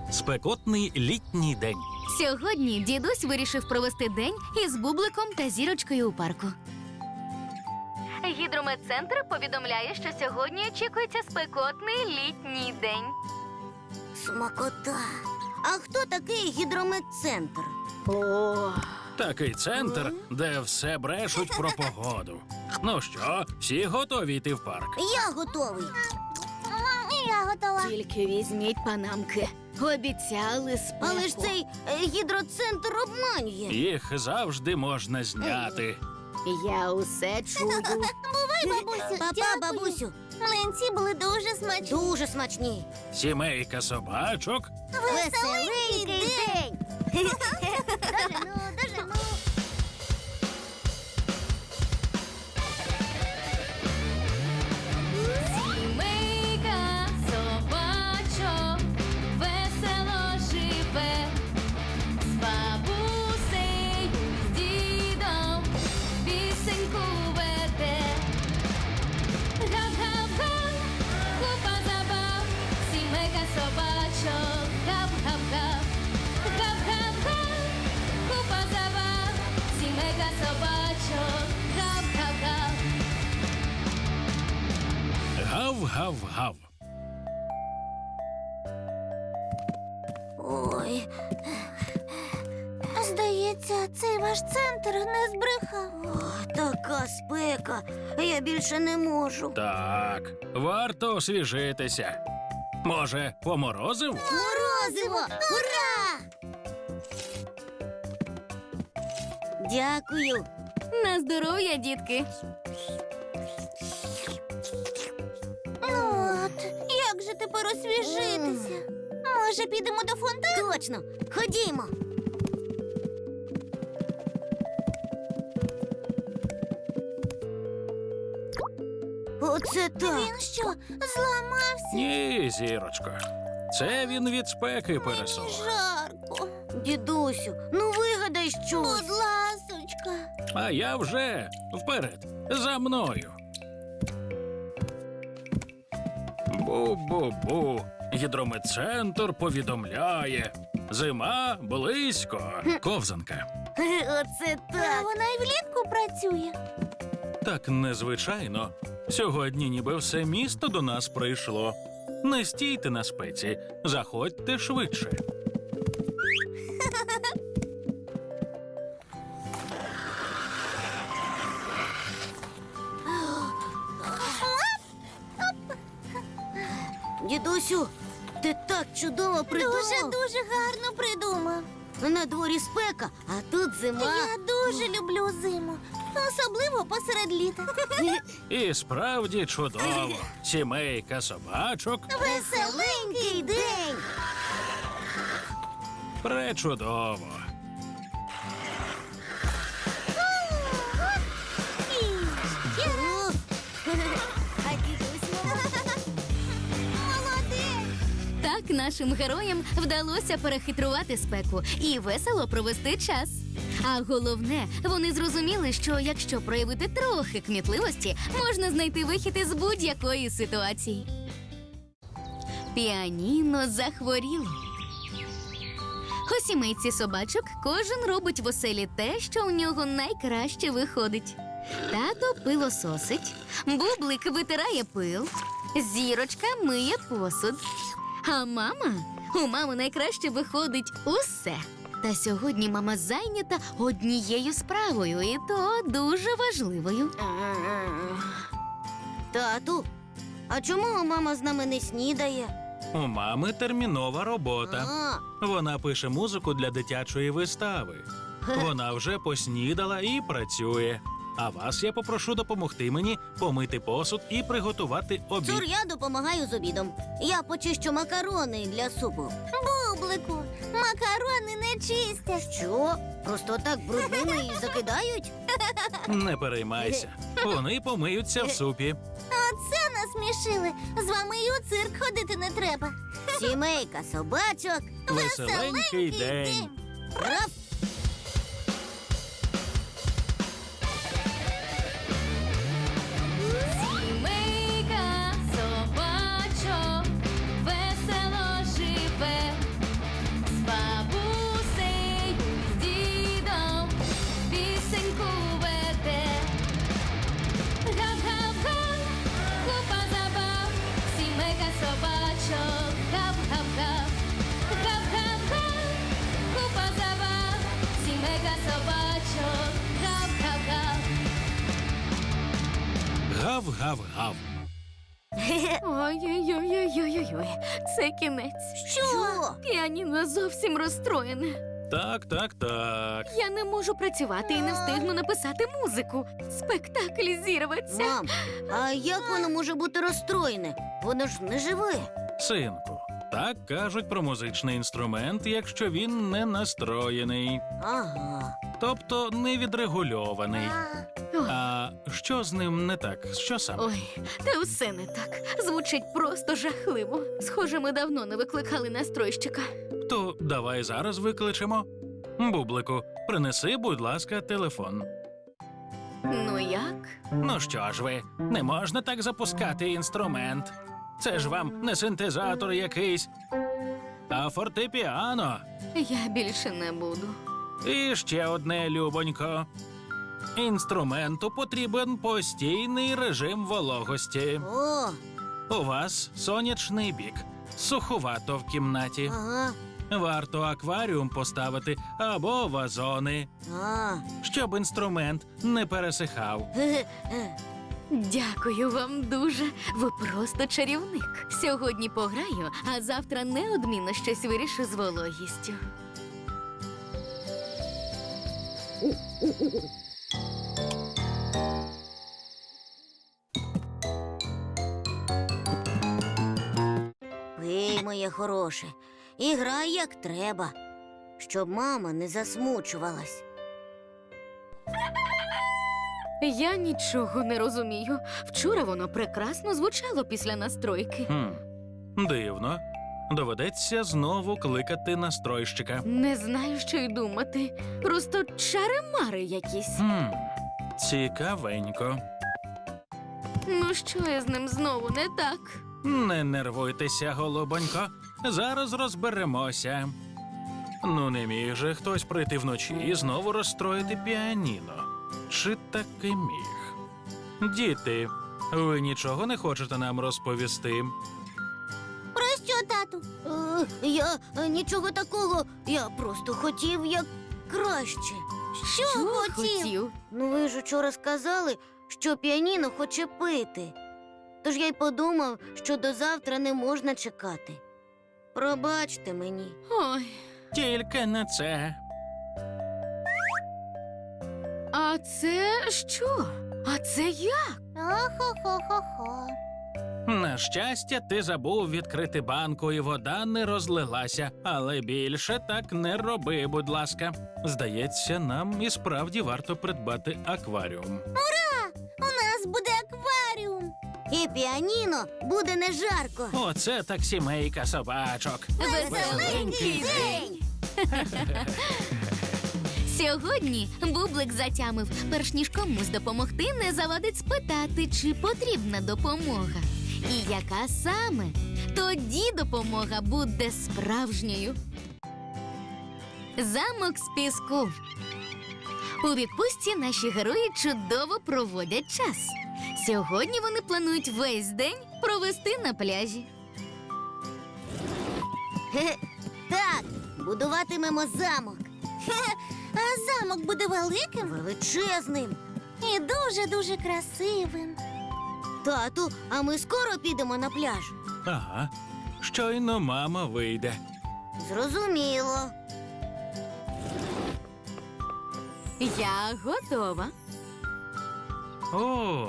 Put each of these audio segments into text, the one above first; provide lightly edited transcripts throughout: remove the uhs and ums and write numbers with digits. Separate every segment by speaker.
Speaker 1: Спекотний літній день.
Speaker 2: Сьогодні дідусь вирішив провести день із Бубликом та Зірочкою у парку. Гідрометцентр повідомляє, що сьогодні очікується спекотний літній день.
Speaker 3: Смакота. А хто такий гідрометцентр?
Speaker 1: Такий центр, де все брешуть про погоду. Ну що, всі готові йти в парк?
Speaker 3: Я готовий. Я готова.
Speaker 2: Тільки візьміть панамки. Обіцяли спеку.
Speaker 3: Але ж цей гідроцентр обманює.
Speaker 1: Їх завжди можна зняти.
Speaker 2: Я усе чую.
Speaker 3: Бувай, бабусю. Папа, бабусю. Млинці були дуже смачні. Дуже смачні.
Speaker 1: Сімейка собачок
Speaker 3: Веселенький день. Дожену, дожену.
Speaker 2: Сімейка собачок весело живе, з бабусею, з дідом пісеньку веде. Гав-гав-га, купа забав, сімейка собачок, гав-гав-гав. Гав-гав-га, купа забав, сімейка собачок, гав-гав-гав.
Speaker 1: гав-гав-гав.
Speaker 3: Ой. Здається, цей ваш центр не збрехав. О, така спека. Я більше не можу.
Speaker 1: Так, варто освіжитися. Може, поморозив?
Speaker 3: Морозиво! Ура! Дякую.
Speaker 2: На здоров'я, дітки.
Speaker 3: От, як же тепер освіжитися? Може, підемо до фонтану? Точно, ходімо. Оце так. Він що, зламався?
Speaker 1: Ні, зірочко. Це він від спеки пересох.
Speaker 3: Жарко. Дідусю, ну вигадай щось. Будь ласочка.
Speaker 1: А я вже вперед, за мною. Бу-бу-бу. Гідрометцентр повідомляє. Зима близько. Ковзанка.
Speaker 3: Оце так. Вона і влітку працює.
Speaker 1: Так незвичайно. Сьогодні ніби все місто до нас прийшло. Не стійте на спеці, заходьте швидше.
Speaker 3: Дідусю, ти так чудово придумав. Дуже гарно придумав. На дворі спека, а тут зима. Я дуже люблю зиму, особливо посеред літа.
Speaker 1: І справді чудово. Сімейка собачок
Speaker 3: Веселенький день.
Speaker 1: пречудово.
Speaker 3: А дідусь молодець.
Speaker 2: Так нашим героям вдалося перехитрувати спеку і весело провести час. А головне, вони зрозуміли, що якщо проявити трохи кмітливості, можна знайти вихід із будь-якої ситуації. Піаніно захворіло. У сімейці собачок кожен робить в оселі те, що у нього найкраще виходить. Тато пилососить, Бублик витирає пил, Зірочка миє посуд. А у мами найкраще виходить усе. Та сьогодні мама зайнята однією справою, і то дуже важливою.
Speaker 3: Тату, а чому мама з нами не снідає?
Speaker 1: У мами термінова робота.
Speaker 3: А,
Speaker 1: Вона пише музику для дитячої вистави. Вона вже поснідала і працює. А вас я попрошу допомогти мені помити посуд і приготувати обід.
Speaker 3: Цур, я допомагаю з обідом. Я почищу макарони для супу. Бублику, макарони не чистять. Що? Просто так брудними і закидають?
Speaker 1: Не переймайся. Вони помиються в супі.
Speaker 3: Оце насмішили. З вами і у цирк ходити не треба. Сімейка собачок.
Speaker 1: Веселенький день.
Speaker 3: Раф!
Speaker 2: Сімейка собачок весело живе,
Speaker 1: Гав-гав-гав.
Speaker 2: Ой-ой-ой-ой-ой-ой, це кінець.
Speaker 3: Що?
Speaker 2: Піаніно зовсім розстроєне.
Speaker 1: Так.
Speaker 2: Я не можу працювати і не встигну написати музику. Спектакль зірветься.
Speaker 3: Мам, а як воно може бути розстроєне? Воно ж не живе.
Speaker 1: Синку, так кажуть про музичний інструмент, якщо він не настроєний,
Speaker 3: Ага.
Speaker 1: тобто не відрегульований.
Speaker 2: Ой,
Speaker 1: А що з ним не так? Що саме?
Speaker 2: ой, та все не так. Звучить просто жахливо. Схоже, ми давно не викликали настройщика.
Speaker 1: То давай зараз викличемо. Бублику, принеси, будь ласка, телефон.
Speaker 2: Ну як?
Speaker 1: Ну що ж ви, не можна так запускати інструмент. Це ж вам не синтезатор якийсь, а фортепіано.
Speaker 2: Я більше не буду.
Speaker 1: І ще одне, любонько. Інструменту потрібен постійний режим вологості.
Speaker 3: О,
Speaker 1: У вас сонячний бік, суховато в кімнаті.
Speaker 3: ага.
Speaker 1: Варто акваріум поставити або вазони, щоб інструмент не пересихав.
Speaker 3: Ге-ге.
Speaker 2: Дякую вам дуже. Ви просто чарівник. Сьогодні пограю, а завтра неодмінно щось вирішу з вологістю.
Speaker 3: Пий, моє хороше, і грай як треба, щоб мама не засмучувалась.
Speaker 2: Я нічого не розумію. Вчора воно прекрасно звучало після настройки.
Speaker 1: Дивно. Доведеться знову кликати настройщика.
Speaker 2: Не знаю, що й думати. Просто чари-мари якісь.
Speaker 1: Цікавенько.
Speaker 2: Ну що я з ним знову не так?
Speaker 1: Не нервуйтеся, голубонько. Зараз розберемося. Ну, не міг же хтось прийти вночі і знову розстроїти піаніно. Чи таки міг? Діти, ви нічого не хочете нам розповісти?
Speaker 3: Про що, тату? Я нічого такого. Я просто хотів як краще. Що хотів? Ну, ви ж учора сказали, що піаніно хоче пити. Тож я й подумав, що до завтра не можна чекати. Пробачте мені.
Speaker 2: Ой,
Speaker 1: Тільки не це.
Speaker 2: а це що? А це як?
Speaker 3: Хо-хо-хо-хо.
Speaker 1: На щастя, ти забув відкрити банку, і вода не розлилася. Але більше так не роби, будь ласка. Здається, нам і справді варто придбати акваріум.
Speaker 3: У нас буде акваріум. І піаніно буде не жарко.
Speaker 1: Оце так сімейка собачок.
Speaker 2: Веселенький день! Сьогодні Бублик затямив, перш ніж комусь допомогти, не завадить спитати, чи потрібна допомога. І яка саме? Тоді допомога буде справжньою. Замок з піску. У відпустці наші герої чудово проводять час. Сьогодні вони планують весь день провести на пляжі.
Speaker 3: Хе-хе. Так, будуватимемо замок. А замок буде великим? Величезним. І дуже-дуже красивим. Тату, а ми скоро підемо на пляж?
Speaker 1: Ага, щойно мама вийде.
Speaker 3: Зрозуміло.
Speaker 2: Я готова.
Speaker 1: О,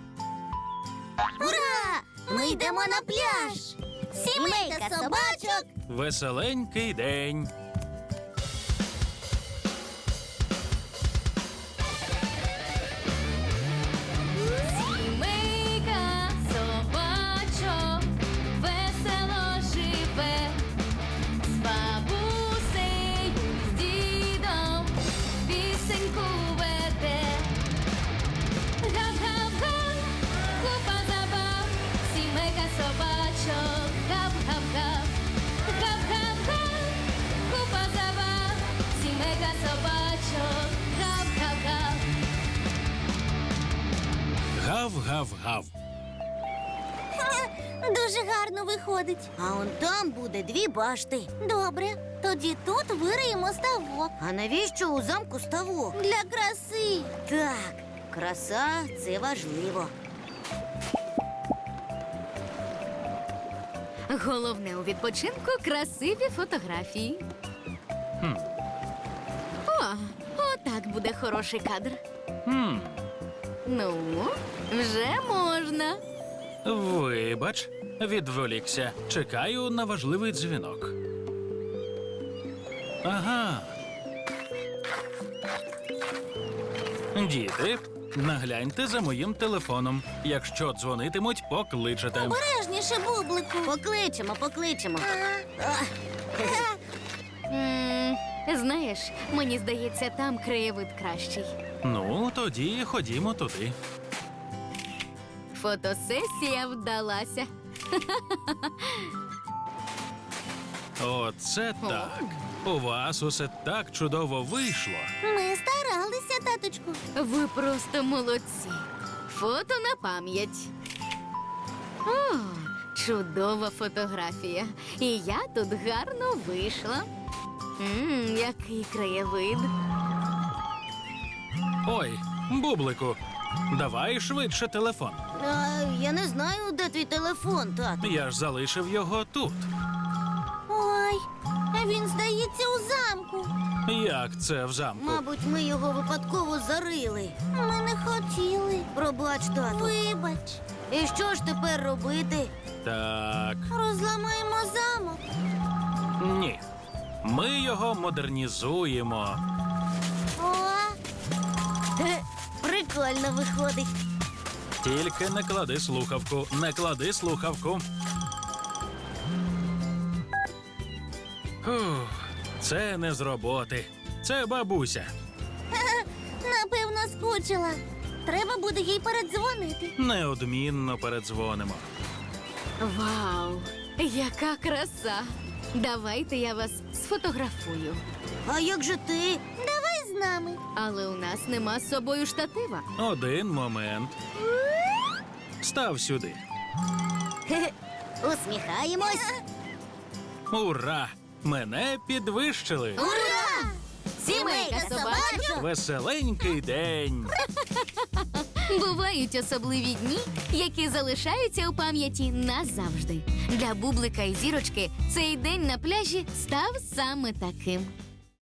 Speaker 3: Ура! Ми йдемо на пляж! Сімейка собачок!
Speaker 1: веселенький день.
Speaker 2: Сімейка собачок весело живе, з бабусею, з дідом пісеньку веде. Гав-гав-га, купа забав, сімейка собачок, гав-гав-гав. Гав-гав-га, купа забав, сімейка собачок, гав-гав-гав.
Speaker 1: Гав-гав-гав.
Speaker 3: Дуже гарно виходить. А он там буде 2 башти. Добре, тоді тут вириємо ставок. А навіщо у замку ставок? Для краси. Так, краса це важливо.
Speaker 2: Головне у відпочинку красиві фотографії.
Speaker 1: Хм.
Speaker 2: О, отак буде хороший кадр. Ну, вже можна.
Speaker 1: Вибач, відволікся. Чекаю на важливий дзвінок. Ага. Діти, нагляньте за моїм телефоном. Якщо дзвонитимуть, покличете.
Speaker 3: Обережніше, бублику. Покличемо.
Speaker 2: Знаєш, мені здається, там краєвид кращий.
Speaker 1: Ну, тоді ходімо туди.
Speaker 2: Фотосесія вдалася.
Speaker 1: Оце так. У вас усе так чудово вийшло.
Speaker 3: Ми старалися, таточку.
Speaker 2: Ви просто молодці. Фото на пам'ять. О, чудова фотографія. І я тут гарно вийшла. Який краєвид.
Speaker 1: Ой, бублику, давай швидше телефон.
Speaker 3: Я не знаю, де твій телефон, тату.
Speaker 1: Я ж залишив його тут.
Speaker 3: Ой, він, здається, у замку.
Speaker 1: Як це в замку?
Speaker 3: Мабуть, ми його випадково зарили. Ми не хотіли. Пробач, тату. Вибач. І що ж тепер робити?
Speaker 1: Так,
Speaker 3: Розламаємо замок.
Speaker 1: ні. Ми його модернізуємо.
Speaker 3: О, прикольно виходить.
Speaker 1: Тільки не клади слухавку, не клади слухавку. Фух, це не з роботи. Це бабуся.
Speaker 3: Напевно, скучила. Треба буде їй передзвонити.
Speaker 1: Неодмінно передзвонимо.
Speaker 2: Вау, яка краса! Давайте я вас сфотографую.
Speaker 3: А як же ти? Давай з нами.
Speaker 2: Але у нас нема з собою штатива.
Speaker 1: Один момент. Став сюди.
Speaker 3: Усміхаємось.
Speaker 1: Ура! Мене підвищили.
Speaker 3: Ура! Сімейка собачок.
Speaker 1: Веселенький день.
Speaker 2: Бувають особливі дні, які залишаються у пам'яті назавжди. Для Бублика і Зірочки цей день на пляжі став саме таким.